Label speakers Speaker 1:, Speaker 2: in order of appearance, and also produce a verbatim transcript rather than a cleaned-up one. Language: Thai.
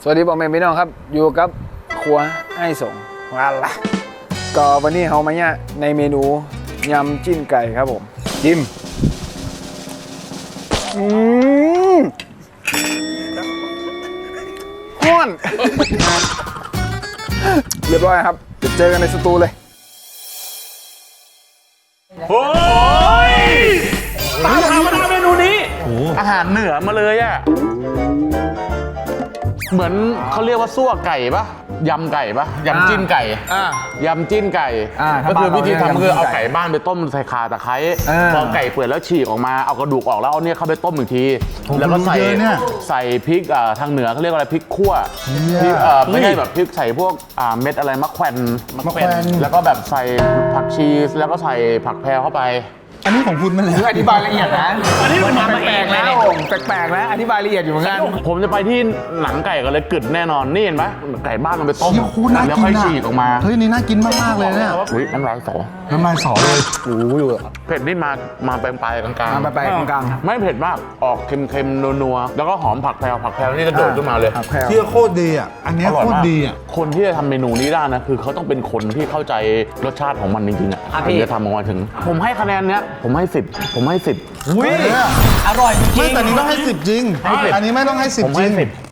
Speaker 1: วัสดีพ่อแม่พี่น้องครับอยู่กับครัวไอ้สงวันละก็วันนี้เขามาเนี่ยในเมนูยำจิ้นไก่ครับผมจิ้มอืมฮ้อน เรียบร้อยครับจะเจอกันในสตูเลย
Speaker 2: โอ้ยตามหามาทำเมนูนี้อาหารเหนือมาเลยอ่ะเหมือนเขาเรียกว่าซั่วไก่ปะยำไก่ปะยำจิ้นไก่
Speaker 1: อ่าย
Speaker 2: ำจิ้นไก่
Speaker 1: อ่า
Speaker 2: ก็คือวิธีทำคือเอา
Speaker 1: ยำจิ้นไก่
Speaker 2: ไก่บ้านไปต้มใส่ข่าตะไคร้
Speaker 1: อ่า
Speaker 2: พอไก่เปื่อยแล้วฉีกออกมาเอากระดูกออกแล้วเอาเนี่ยเข้าไปต้มอีกที
Speaker 3: ผม
Speaker 2: แล้วก็ใส่
Speaker 3: รู้เยอะเนี่ย
Speaker 2: ใส่พริกอ่าทางเหนือเขาเรียกว่าอะไรพริกขั่วพริกเอ่อไม่ใช่แบบพริกใส่พวกอ่าเม็ดอะไรมะแขวน
Speaker 3: มะแขวน
Speaker 2: แล้วก็แบบใส่ผักชีสแล้วก็ใส่ผักแพรเข้าไป
Speaker 3: อันนี้ของคุณมันแหละ
Speaker 1: คืออธิบายละเอียดนะ
Speaker 4: อันนี้มันทำมา
Speaker 1: แป
Speaker 4: เอ
Speaker 1: ล
Speaker 4: ง
Speaker 1: กๆ
Speaker 4: เลย
Speaker 1: นะ
Speaker 4: เนี่ย
Speaker 1: ผมแปลกๆนะอธิบายละเอียดอยู่เหมือนกัน
Speaker 2: ผมจะไปที่หนังไก่กันเลยกึดแน่นอนนี่เห็นไหมไก่บ้านมันไปต้ม
Speaker 3: เชี่ยโคตรน่า
Speaker 2: แล้ว
Speaker 3: กิน
Speaker 2: ค่อย
Speaker 3: อ่ะ
Speaker 2: ฉีกออกมา
Speaker 3: เฮ้ยนี่น่ากินมากๆเลยเนี่ย
Speaker 2: อุ้ยน้ำลายสอ
Speaker 3: น้ำลายสอเลย
Speaker 1: รู้อยู่
Speaker 2: เผ็ดนี่มามาปลายๆกลาง
Speaker 1: มาไปๆกลาง
Speaker 2: ๆไม่เผ็ดมากออกเค็มๆนัวๆแล้วก็หอมผักแพรวผักแพรวนี่กระโดดขึ้นมาเลย
Speaker 1: ๆผักแพรว
Speaker 3: เที่ยโคตรดีอ่ะอันเนี้ย
Speaker 2: อร่อย
Speaker 3: โคตร
Speaker 2: มาก
Speaker 3: ดีอ่ะ
Speaker 2: คนที่จะทำเมนูนี้ได้นะคือเขาต้องเป็นคนที่เข้าใจรสชาติของมันจริงๆอ่ะถึงจะทำออกมาถึง ผมให้คะแนนเนี้ยผมให้สิบผมให้สิบ
Speaker 4: อุ้ยอร่อยจริ
Speaker 3: ไม่
Speaker 4: ง
Speaker 3: แต่นี้ต้องให้สิบจริง
Speaker 2: ให้สิบ
Speaker 3: อันนี้ไม่ต้องให้สิบ
Speaker 2: ผม
Speaker 3: จริ
Speaker 2: ให้
Speaker 3: ง
Speaker 2: สิบ